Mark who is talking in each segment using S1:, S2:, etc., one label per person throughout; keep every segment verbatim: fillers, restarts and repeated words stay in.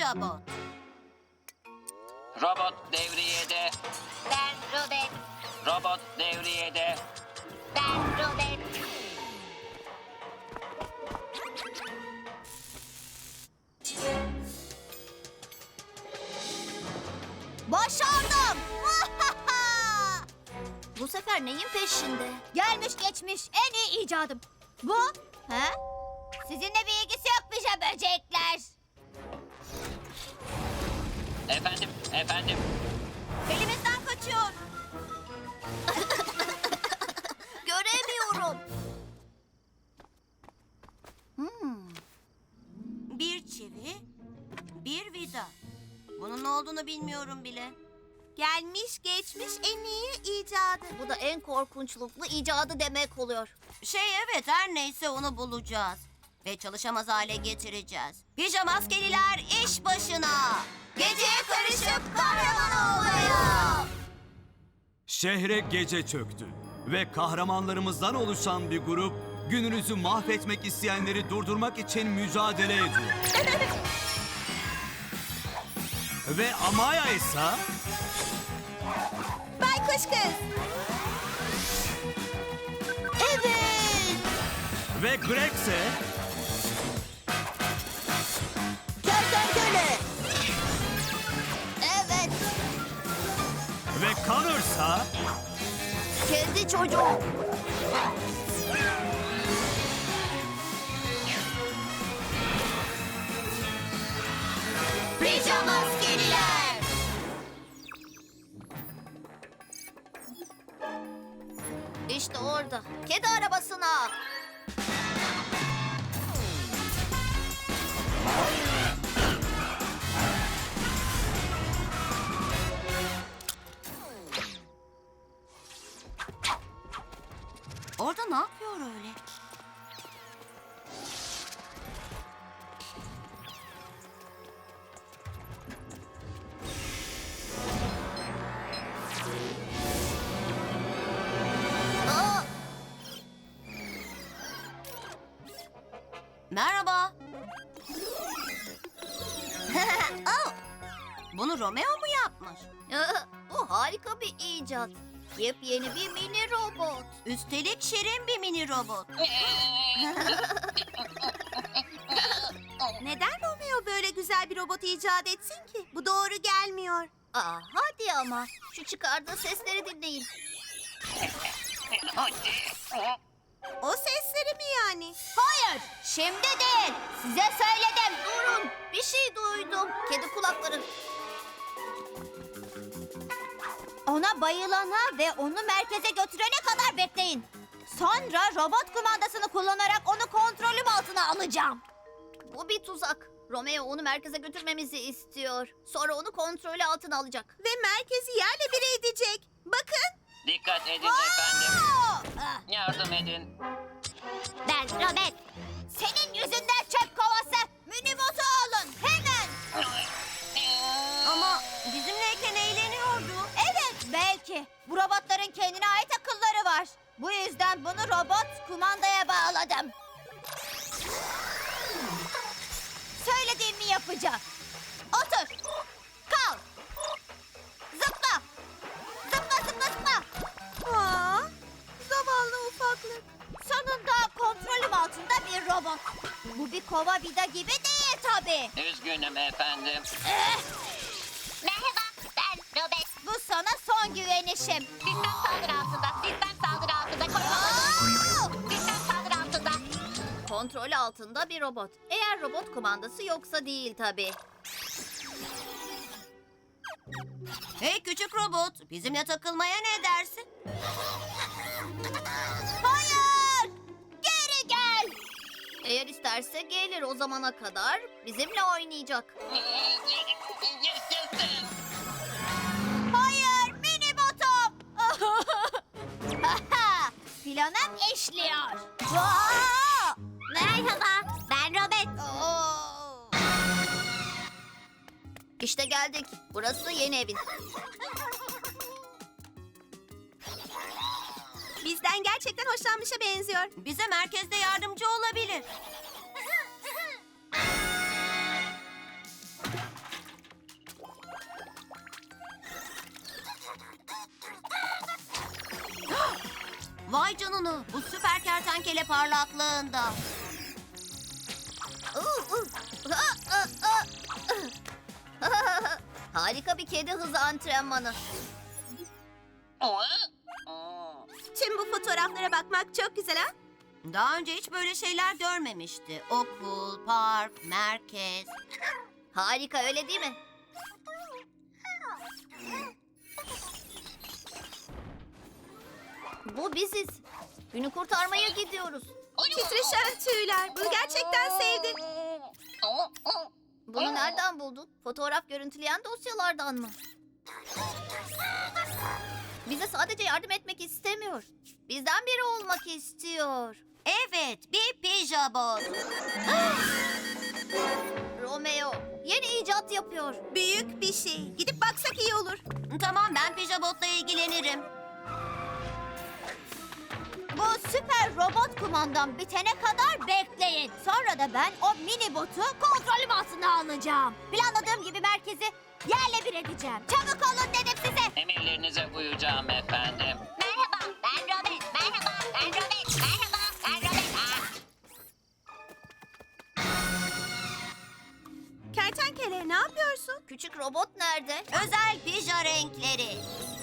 S1: Pijabot.
S2: Robot devriyede.
S3: Ben Robert.
S2: Robot devriyede.
S3: Ben Robert.
S1: Başardım. Bu sefer neyin peşinde? Gelmiş geçmiş en iyi icadım. Bu? He? Sizinle bir ilgisi yok pija böcekler.
S2: Efendim, efendim.
S1: Elimizden kaçıyor. Göremiyorum. Hmm.
S4: Bir çivi, bir vida. Bunun ne olduğunu bilmiyorum bile. Gelmiş geçmiş en iyi icadı.
S1: Bu da en korkunçluklu icadı demek oluyor.
S4: Şey evet her neyse onu bulacağız. Ve çalışamaz hale getireceğiz. Pijamaskeliler iş başına. Geceye karışıp kahraman olmaya.
S5: Şehre gece çöktü ve kahramanlarımızdan oluşan bir grup gününüzü mahvetmek isteyenleri durdurmak için mücadele ediyor. Ve Amaya ise
S4: Baykuş kız.
S1: Evet.
S5: ve Greg ise
S1: Kertenkele. Evet.
S5: ve Connor ise
S1: Kendi çocuğum. Pijamaskeliler. İşte orada. Kedi arabasına.
S4: Orada ne yapıyor öyle?
S1: Aa,
S4: Merhaba. Oh, bunu Romeo mu yapmış?
S1: aa, bu harika bir icat. Yepyeni bir mini robot.
S4: Üstelik şirin bir mini robot. Neden Romeo böyle güzel bir robot icat etsin ki? Bu doğru gelmiyor.
S1: Aa, hadi ama. Şu çıkardığı sesleri dinleyin.
S4: O sesleri mi yani?
S1: Hayır, şimdi değil. Size söyledim. Durun. Bir şey duydum. Kedi kulakları. Ona bayılana ve onu merkeze götürene kadar bekleyin. Sonra robot kumandasını kullanarak onu kontrolüm altına alacağım. Bu bir tuzak. Romeo onu merkeze götürmemizi istiyor. Sonra onu kontrolü altına alacak.
S4: Ve merkezi yerle bir edecek. Bakın.
S2: Dikkat edin efendim.
S1: Ah,
S2: Yardım edin.
S1: Ben Robert. Senin yüzünden çöp kovası. Minibotu alın hemen.
S4: Ama bizimleyken eğleniyordu.
S1: Evet belki. Bu robotların kendine ait akılları var. Bu yüzden bunu robot kumandaya bağladım. Söylediğimi yapacak. Otur. Kal. Zıpla. Zıpla zıpla zıpla.
S4: Aa, zavallı ufaklık.
S1: Sonunda kontrolüm altında bir robot. Bu bir kova vida gibi değil tabii.
S2: Üzgünüm efendim.
S1: Eh,
S3: Merhaba, ben Robert.
S1: bu sana son güvenişim.
S3: Sistem saldırı altında, sistem saldırı altında. Koruma
S1: Aa!
S3: Sistem saldırı altında.
S1: Kontrol altında bir robot. Eğer robot kumandası yoksa değil tabii.
S4: Hey küçük robot, bizimle takılmaya ne dersin?
S1: Hayır! Geri gel! Eğer isterse gelir o zamana kadar bizimle oynayacak.
S2: Yaşasın.
S1: Hayır mini botum! Planım işliyor. Aa!
S3: Merhaba, ben Robert.
S1: Oo! İşte geldik. Burası yeni evin.
S4: Bizden gerçekten hoşlanmışa benziyor. Bize merkezde yardımcı olabilir. Aa, bu süper kertenkele parlaklığında.
S1: Uh, uh. Ah, ah, ah, ah. Harika bir kedi hızı antrenmanı.
S4: Tüm bu fotoğraflara bakmak çok güzel ha? Daha önce hiç böyle şeyler görmemişti. Okul, park, merkez.
S1: Harika, öyle değil mi? Bu biziz. Günü kurtarmaya gidiyoruz.
S4: Titreşen tüyler. Bunu gerçekten sevdim.
S1: Bunu nereden buldun? Fotoğraf görüntüleyen dosyalardan mı? Bize sadece yardım etmek istemiyor. Bizden biri olmak istiyor.
S4: Evet, bir pijabot.
S1: Romeo yeni icat yapıyor.
S4: Büyük bir şey. Gidip baksak iyi olur. Tamam, ben pijabotla ilgilenirim.
S1: Bu süper robot kumandam bitene kadar bekleyin. Sonra da ben o mini botu kontrolüm altına alacağım. Planladığım gibi merkezi yerle bir edeceğim. Çabuk olun dedim size.
S2: Emirlerinize uyacağım efendim.
S3: Merhaba, ben Robert. Merhaba, ben Robert. Merhaba, ben Robert. Aa,
S4: Kertenkele, ne yapıyorsun?
S1: Küçük robot nerede?
S4: Özel pija renkleri.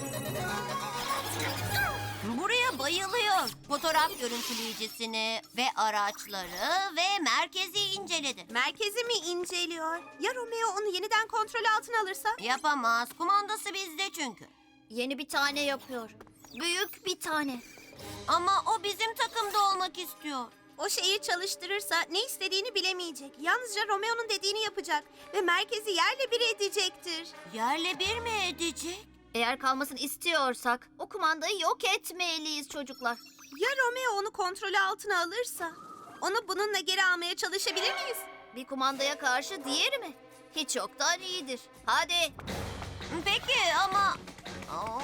S4: Buraya bayılıyor. Fotoğraf görüntüleyicisini ve araçları ve merkezi inceledi.
S6: Merkezi mi inceliyor? Ya Romeo onu yeniden kontrol altına alırsa?
S4: Yapamaz. Kumandası bizde çünkü.
S1: Yeni bir tane yapıyor. Büyük bir tane.
S4: Ama o bizim takımda olmak istiyor.
S6: O şeyi çalıştırırsa ne istediğini bilemeyecek. Yalnızca Romeo'nun dediğini yapacak ve merkezi yerle bir edecektir.
S4: Yerle bir mi edecek?
S1: Eğer kalmasını istiyorsak o kumandayı yok etmeliyiz çocuklar.
S6: Ya Romeo onu kontrol altına alırsa? Onu bununla geri almaya çalışabilir miyiz?
S1: Bir kumandaya karşı diğeri mi? Hiç yoktan iyidir. Hadi.
S4: Peki ama... Aa.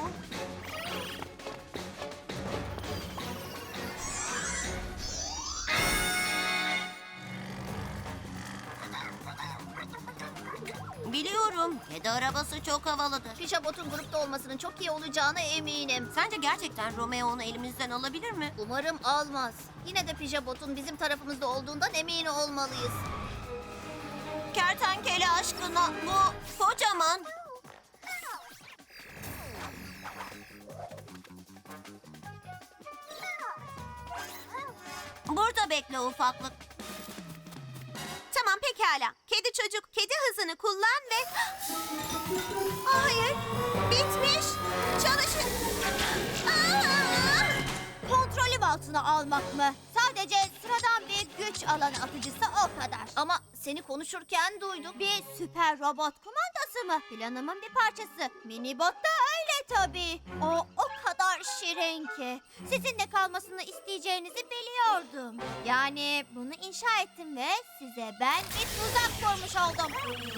S4: Biliyorum. Kedi arabası çok havalıdır.
S1: Pijabot'un grupta olmasının çok iyi olacağına eminim.
S4: Sence gerçekten Romeo onu elimizden alabilir mi?
S1: Umarım almaz. Yine de Pijabot'un bizim tarafımızda olduğundan emin olmalıyız.
S4: Kertenkele aşkına bu kocaman. Burada bekle ufaklık.
S6: Tamam pekala. Kedi çocuk kedi hızını kullan ve... Hayır. Bitmiş. Çalışın. Aa!
S1: Kontrolüm altına almak mı? Sadece sıradan bir güç alanı atıcısı o kadar. Ama seni konuşurken duydum. Bir süper robot kumandası mı? Planımın bir parçası. Minibot da öyle tabii. O o kadar şirin ki. Sizinle kalmasını isteyeceğinizi biliyordum. Yani bunu inşa ettim ve size ben bir tuzak kurmuş oldum.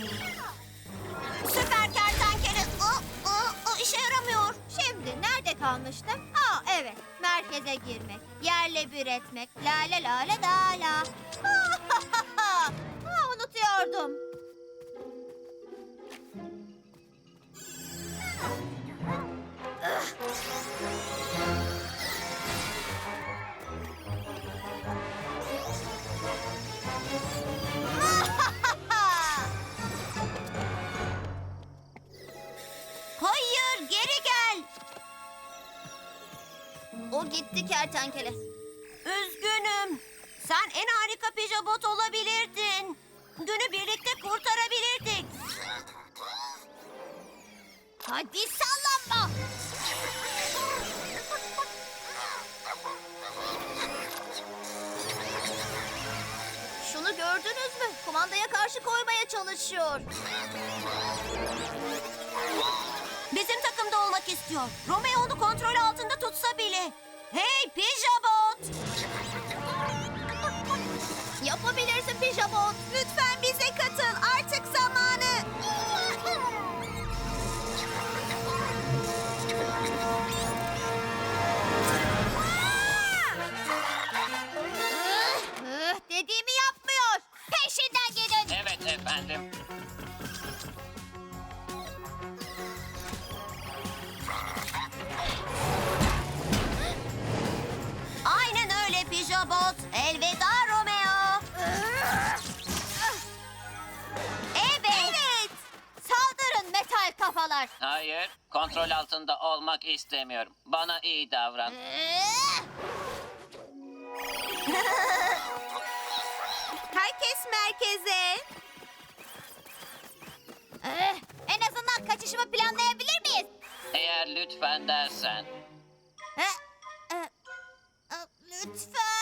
S4: Süper kertenkele. O, o, o işe yaramıyor.
S1: Şimdi nerede kalmıştım? Aa evet, merkeze girmek, yerle bir etmek, la la la la la la. Aa, unutuyordum.
S4: Hayır, geri gel.
S1: O gitti kertenkele.
S4: Üzgünüm. Sen en harika pijabot olabilirdin. Günü birlikte kurtarabilirdik.
S1: Hadi sallanma. Şunu gördünüz mü? Kumandaya karşı koymaya çalışıyor.
S4: Bizim takımda olmak istiyor. Romeo onu kontrol altında tutsa bile. Hey pijabot!
S1: Yapabilirsin Pijabot.
S6: Lütfen bize katıl. Artık zamanı.
S1: Üh, dediğimi yapmıyor. Peşinden gidin.
S2: Evet efendim.
S4: Aynen
S2: Kontrol altında olmak istemiyorum. Bana iyi davran.
S1: Ee,
S6: Herkes merkeze.
S1: eh, en azından kaçışımı planlayabilir miyiz?
S2: Eğer lütfen dersen.
S1: Eh, eh, eh, lütfen.